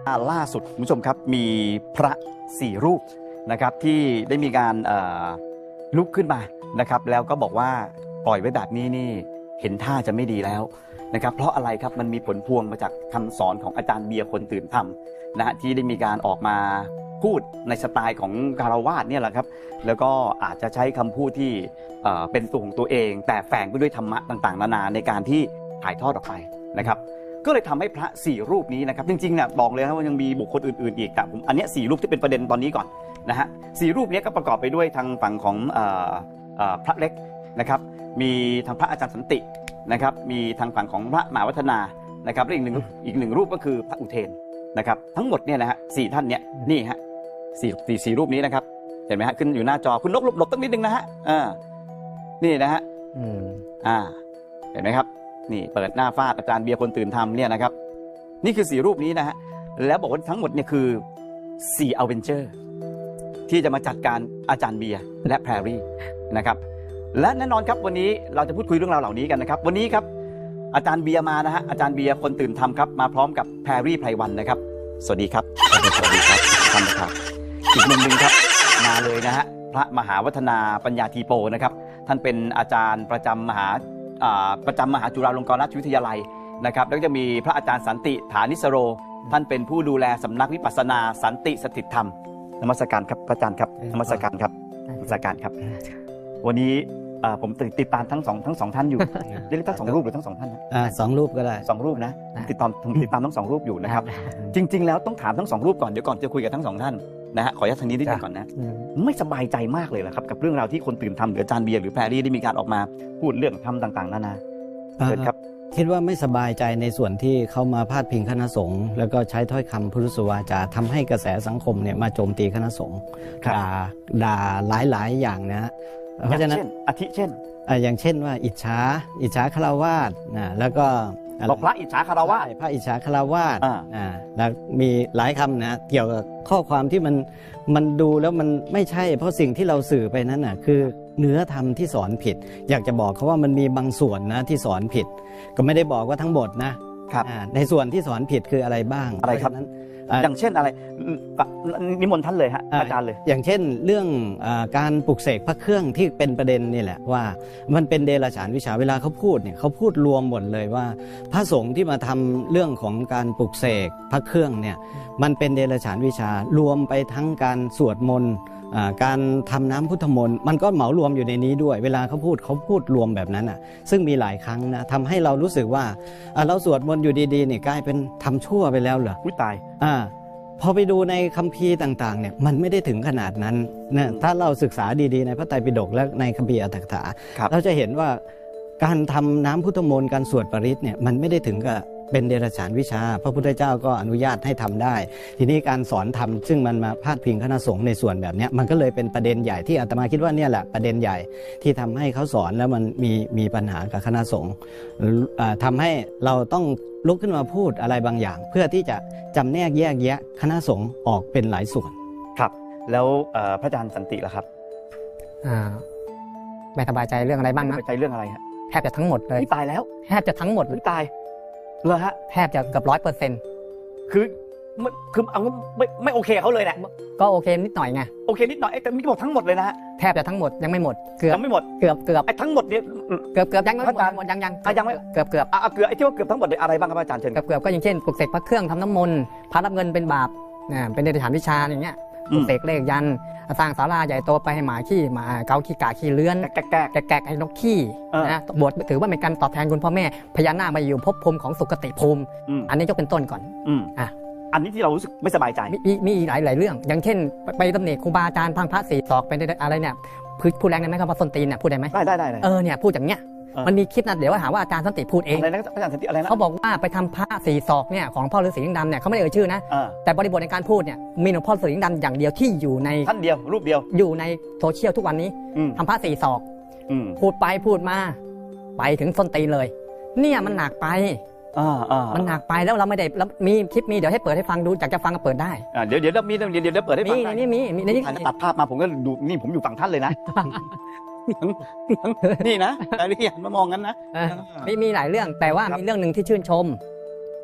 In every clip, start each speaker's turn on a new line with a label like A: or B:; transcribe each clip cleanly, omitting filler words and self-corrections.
A: ล่าสุดคุณผู้ชมครับมีพระ4 รูปนะครับที่ได้มีการลุกขึ้นมานะครับแล้วก็บอกว่าปล่อยไว้แบบนี้นี่เห็นท่าจะไม่ดีแล้วนะครับเพราะอะไรครับมันมีผลพวงมาจากคำสอนของอาจารย์เบียร์คนตื่นธรรมนะฮะที่ได้มีการออกมาพูดในสไตล์ของคารวาสเนี่ยแหละครับแล้วก็อาจจะใช้คำพูดที่เป็นตัวของตัวเองแต่แฝงไปด้วยธรรมะต่างๆนานาในการที่ถ่ายทอดออกไปนะครับก็เลยทำให้พระ4 รูปนี้นะครับจริงๆเนี่ยบอกเลยนะว่ายังมีบุคคลอื่นๆอีกแต่ผมอันนี้4 รูปที่เป็นประเด็นตอนนี้ก่อนนะฮะ4 รูปนี้ก็ประกอบไปด้วยทางฝั่งของพระเล็กนะครับมีทางพระอาจารย์สันตินะครับมีทางฝั่งของพระมหาวัฒนานะครับและอีกหนึ่งรูปก็คือพระอุเทนนะครับทั้งหมดเนี่ยนะฮะ4 ท่านเนี่ยนี่ฮะสี่รูปนี้นะครับเห็นไหมฮะขึ้นอยู่หน้าจอคุณนกหลบตั้งนิดนึงนะฮะนี่นะฮะเห็นไหมครับนี่เปิดหน้าฟาดอาจารย์เบียร์คนตื่นธรรมเนี่ยนะครับนี่คือ4 รูปนี้นะฮะแล้วบอกว่าทั้งหมดเนี่ยคือ4 อเวนเจอร์ที่จะมาจัดการอาจารย์เบียร์และแพรรี่นะครับและแน่นอนครับวันนี้เราจะพูดคุยเรื่องราวเหล่านี้กันนะครับวันนี้ครับอาจารย์เบียร์มานะฮะอาจารย์เบียร์คนตื่นธรรมครับมาพร้อมกับแพรรี่ไพรวันนะครับสวัสดีครับสวัสดีครับท่านนะครับอีกมุมหนึ่งครับมาเลยนะฮะพระมหาวัฒนาปัญญาธีโปนะครับท่านเป็นอาจารย์ประจำมหาจุฬาลงกรณราชวิทยาลัยนะครับแล้วก็จะมีพระอาจารย์สันติฐานิสโรท่านเป็นผู้ดูแลสำนักวิปัสสนาสันติสถิตธรรมนมัสการครับพระอาจารย์ครับนมัสการครับนมัสการครับวันนี้ผมติดตามทั้งสองท่านอยู่เรียกทั้ง2 รูปหรือทั้ง2 ท่านนะ
B: 2 รูปก็ได้
A: 2 รูปนะติดตามทั้ง2 รูปอยู่นะครับจริงๆแล้วต้องถามทั้ง2 รูปก่อนเดี๋ยวก่อนจะคุยกับทั้ง2 ท่านนะฮะขออนุญาตทางนี้นิดนึงก่อนนะไม่สบายใจมากเลยเหรอครับกับเรื่องราวที่คนตื่นธรรมหรืออาจารย์เบียร์หรือแพรรี่ได้มีการออกมาพูดเรื่องธรรมต่างๆนานาเชิญครับ
B: คิดว่าไม่สบายใจในส่วนที่เขามาพาดพิงคณะสงฆ์แล้วก็ใช้ถ้อยคำพุทธวาจาทำให้กระแสสังคมเนี่ยมาโจมตีคณะสงฆ์ด่าหลายอย่างนะฮะเพราะฉะนั้น
A: อาทิเช่น
B: อย่างเช่นว่าอิจฉาฆราวาสนะแล้วก็
A: บอกพระอิจฉาฆราวาส
B: พระอิจฉาฆราวาสแล้วมีหลายคำนะเกี่ยวกับข้อความที่มันดูแล้วมันไม่ใช่เพราะสิ่งที่เราสื่อไปนั้นน่ะคือเนื้อธรรมที่สอนผิดอยากจะบอกเขาว่ามันมีบางส่วนนะที่สอนผิดก็ไม่ได้บอกว่าทั้งหมดนะครับในส่วนที่สอนผิดคืออะไรบ้าง
A: อะไรครับนั้นอย่างเช่นอะไรนิมนต์ท่านเลยฮะอาจารย์เลย
B: อย่างเช่นเรื่องการปลุกเสกพระเครื่องที่เป็นประเด็นนี่แหละว่ามันเป็นเดรัจฉานวิชาเวลาเขาพูดเนี่ยเขาพูดรวมหมดเลยว่าพระสงฆ์ที่มาทำเรื่องของการปลุกเสกพระเครื่องเนี่ยมันเป็นเดรัจฉานวิชารวมไปทั้งการสวดมนต์การทำน้ำพุทธมนต์มันก็เหมารวมอยู่ในนี้ด้วยเวลาเขาพูดรวมแบบนั้นซึ่งมีหลายครั้งนะทำให้เรารู้สึกว่าเราสวดมนต์อยู่ดีๆเนี่ยกลายเป็นทำชั่วไปแล้วเหรอ
A: ตาย
B: พอไปดูในคัมภีร์ต่างๆเนี่ยมันไม่ได้ถึงขนาดนั้นนะถ้าเราศึกษาดีๆในพระไตรปิฎกและในคัมภีร์อรรถกถาเราจะเห็นว่าการทำน้ำพุทธมนต์การสวดปริตเนี่ยมันไม่ได้ถึงกับเป็นเดรัจฉานวิชาพระพุทธเจ้าก็อนุญาตให้ทำได้ทีนี้การสอนธรรมซึ่งมันมาพาดพิงคณะสงฆ์ในส่วนแบบนี้มันก็เลยเป็นประเด็นใหญ่ที่อาตมาคิดว่าเนี่ยแหละประเด็นใหญ่ที่ทำให้เขาสอนแล้วมันมีปัญหากับคณะสงฆ์ทำให้เราต้องลุกขึ้นมาพูดอะไรบางอย่างเพื่อที่จะจำแนกแยกแยะคณะสงฆ์ออกเป็นหลายส่วน
A: ครับแล้วพระอาจารย์สันติล่ะครับ
C: ไม่สบายใจเรื่องอะไรบ้างนะ
A: ไม่สบายใจเรื่องอะไรฮะ
C: แทบจะทั้งหมดเลย
A: ตายแล้ว
C: แทบจะทั้งหมด
A: ตายเลยฮะ
C: แทบจะเกือบ100%
A: คือเอาไม่โอเคเขาเลยแหละ
C: ก็โอเคนิดหน่อยไง
A: โอเคนิดหน่อยแต่ไม่หมดทั้งหมดเลยนะฮะ
C: แทบจะทั้งหมดยังไม่หมดเกือบ
A: ไม่หมด
C: เกือบ
A: ไอ้ทั้งหมดเนี่ย
C: เกือบยังไม่หมดยังไม่เกือบ
A: ไอ้ที่ว่าเกือบทั้งหมดเลยอะไรบ้างครับอาจารย์เชิญ
C: เกือบก็อย่างเช่นปลุกเสกพระเครื่องทำน้ำมนต์พระรับเงินเป็นบาปเป็นเดรัจฉานวิชาอย่างเงี้ยปลุกเสกเลขยันสร้างศาลาใหญ่โตไปให้หมาขี้หมาเกาขี้กาขี้เลื้อนแกะให้นกขี้นะบวชถือว่าเป็นการตอบแทนคุณพ่อแม่พญานาคมาอยู่ภพภูมิของสุคติภูมิอันนี้ยกเป็นต้นก่อน
A: อันนี้ที่เรารู้สึกไม่สบายใจ
C: มีอีกหลายเรื่องอย่างเช่นไปตำหนิครูบาอาจารย์พังพระ4 ศอกไปอะไรเนี่ยพูดแรงได้ไหมครับว่าส้นตีนเนี่ยพูดได้ไหม
A: ได้
C: เนี่ยพูดอย่างเงี้ยมันมีคลิปนะเดี๋ยวหาว่าอาจารย์สันติพูดเอง
A: อะไรนะอาจารย์สันติอะไรนะ
C: เขาบอกว่าไปทำพระ4 ศอกเนี่ยของพ่อฤาษีลิงดำเนี่ยเขาไม่ได้เอ่ยชื่อนะแต่บริบทในการพูดเนี่ยมีหลวงพ่อฤาษีลิงดำอย่างเดียวที่อยู่ใน
A: ท่านเดียวรูปเดียว
C: อยู่ในโซเชียลทุกวันนี้ทำพระ4 ศอกพูดไปพูดมาไปถึงส้นตีนเลยเนี่ยมันหนักไปมันหนักไปแล้วเราไม่ได้แล้วมีคลิปมีเดี๋ยวให้เปิดให้ฟังดูอยากจะฟังก็เปิดได้
A: เดี๋ยวมีเดี๋ยวเปิดให้ฟัง
C: มีในนี้
A: ตัดภาพมาผมก็ดูนี่ผมอยู่ฝั่งท่านเลยนะนี่นะแต่ที่หันมามองกันนะ
C: มีหลายเรื่องแต่ว่ามีเรื่องหนึ่งที่ชื่นชม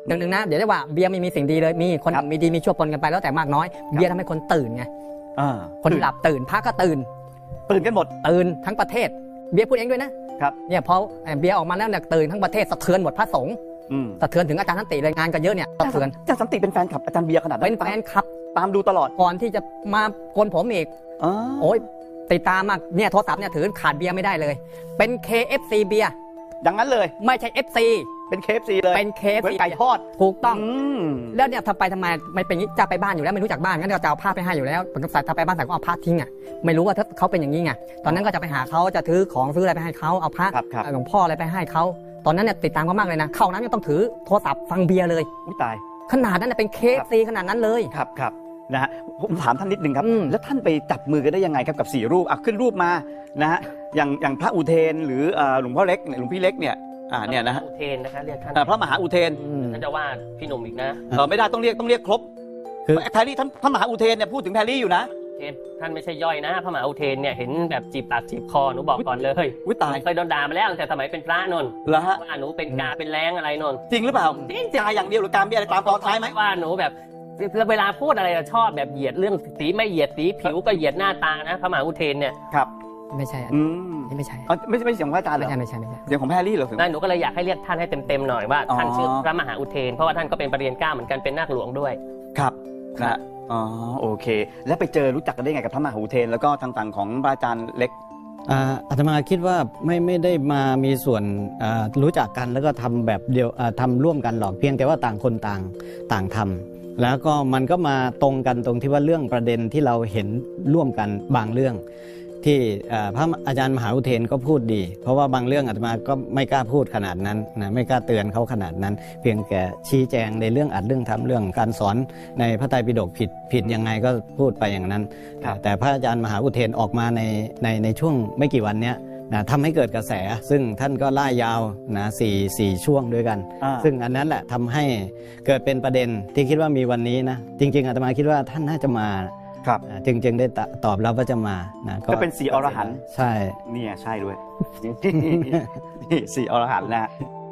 C: หนึ่งนะเดี๋ยวได้ว่าเบียร์ไม่มีสิ่งดีเลยมีคน
A: ครับ
C: มีดีมีชั่วปนกันไปแล้วแต่มากน้อยเบียร์ทำให้คนตื่นไง คนหลับตื่นพระก็ตื่น
A: ตื่นกันหมด
C: ตื่นทั้งประเทศเบียร์พูดเองด้วยนะครับ เนี่ยพอเบียร์ออกมาแล้วเนี่ยตื่นทั้งประเทศสะเทือนหมดพระสงฆ์
A: อืม
C: สะเทือนถึงอาจารย์สันติเลยงานก็เยอะเนี่ยสะเทือน
A: อาจารย์สันติเป็นแฟนคลับอาจารย์เบียร์ขนาดนั้น
C: เป็นแฟนคลับ
A: ตามดูตลอด
C: ก่อนที่จะมาโกนผมอีก
A: อ๋อ
C: โอ้ยติดตามมากเนี่ยโทรศัพท์เนี่ยถือขาดเบียร์ไม่ได้เลย เป็น KFC เบียร์
A: อย่างนั้นเลย
C: ไม่ใช่ FC
A: เป็น KFC เลย
C: เป็น
A: เห
C: KFC
A: มือนไก่ทอด
C: ถูกต้อง
A: ม
C: แล้วเนี่ยทำไปทำไมไม่เป็นอย่างนี้จะไปบ้านอยู่แล้วไม่รู้จักบ้านงั้นก็จะเอาผ้าไปให้อยู่แล้วผมก็ใส่ถ้าไปบ้านใส่ก็เอาผ้าทิ้งอ่ะไม่รู้ว่าถ้าเขาเป็นอย่างนี้ไงตอนนั้นก็จะไปหาเขาจะถือของซื้ออะไรไปให้เขาเอาพระ
A: ครับ
C: หลวงพ่ออะไรไปให้เขาตอนนั้นเนี่ยติดตามเขามากเลยนะเข้าน้ำยังต้องถือโทรศัพท์ฟังเบียร์เลย
A: อุ้ยตาย
C: ขนาดนั้นนะเป็น KFC ขนาดนั้นเลย
A: ครับนะฮะผมถามท่านนิดนึงครับ
C: แล้ว
A: ท่านไปจับมือกันได้ยังไงครับกับ4รูปขึ้นรูปมานะฮะอย่างพระอุเทนหรือหลวงพ่อเล็กหลวงพี่เล็กเนี่ยเนี่ยนะฮะ
D: อุเทนนะคะเรียกท่าน
A: พระมหาอุเทน
D: ท่านจะว่าพี่หนุ่มอีกนะ
A: ไม่ได้ต้องเรียกครบ
B: คือ
A: แพรรี่ท่านมหาอุเทนเนี่ยพูดถึงแพรรี่อยู่นะ
D: เทนท่านไม่ใช่ย่อยนะพระมหาอุเทนเนี่ยเห็นแบบจีบปากจีบคอหนูบอกก่อนเลย
A: อุ้ยตาย
D: เคยโดนด่ามาแล้วตั้งแต่สมัยเป็นพระนนท์
A: แล้วฮะ
D: ว่าหนูเป็นกาเป็นแรงอะไรนนท์
A: จริงหรือเปล่าจายอย่างเดียวหรือการมีอะไรตามตอนท้ายไหม
D: ว่าหนูแบบเวลาพูดอะไรอะชอบแบบเหยียดเรื่องสีไม่เหยียดสีผิวก็เหยียดหน้าตานะพระมหาอุเทนเนี่ย
A: ครับ
C: ไม่ใช่
A: อืม
C: นี่ไม่ใช่
A: ไม่ใช่เสียงของพระอาจารย์เหรอ
C: ไม่ใช่
A: เสียงของแพรรี่เหรอ
D: นั่นหนูก็เลยอยากให้เรียกท่านให้เต็มๆหน่อยว่าท่านชื่อพระมหาอุเทนเพราะว่าท่านก็เป็นประเรียนเก้าเหมือนกันเป็นนาคหลวงด้วย
A: ครับนะอ๋อโอเค แล้วไปเจอรู้จักกันได้ไงกับพระมหาอุเทนแล้วก็ทางฝั่งของพระอาจารย์เล็ก
B: อาตมาคิดว่าไม่ได้มามีส่วนรู้จักกันแล้วก็ทำแบบเดียวทำร่วมกันหรอกเพียงแต่ว่าต่างคนต่างทำแล้วก็มันก็มาตรงกันตรงที่ว่าเรื่องประเด็นที่เราเห็นร่วมกันบางเรื่อง ที่พระอาจารย์มหาอุเทนก็พูดดี เพราะว่าบางเรื่องอาตมาก็ไม่กล้าพูดขนาดนั้นนะไม่กล้าเตือนเขาขนาดนั้น เพียงแค่ชี้แจงในเรื่องอัดเรื่องทำเรื่องการสอนในพระไตรปิฎกผิดยังไงก็พูดไปอย่างนั้น แต่พระอาจารย์มหาอุเทนออกมาในช่วงไม่กี่วันเนี้ยนะทำให้เกิดกระแส ซึ่งท่านก็ล่ายาวนะสี่ช่วงด้วยกัน ซึ่งอันนั้นแหละทำให้เกิดเป็นประเด็นที่คิดว่ามีวันนี้นะจริงๆอาตมาคิดว่าท่านน่าจะมา
A: ครับ
B: จึงได้ตอบรับว่าจะมานะ
A: ก็เป็น4อรหันต์
B: ใช่
A: เนี่ยใช่ด้วย นี่4อรหันต์นะ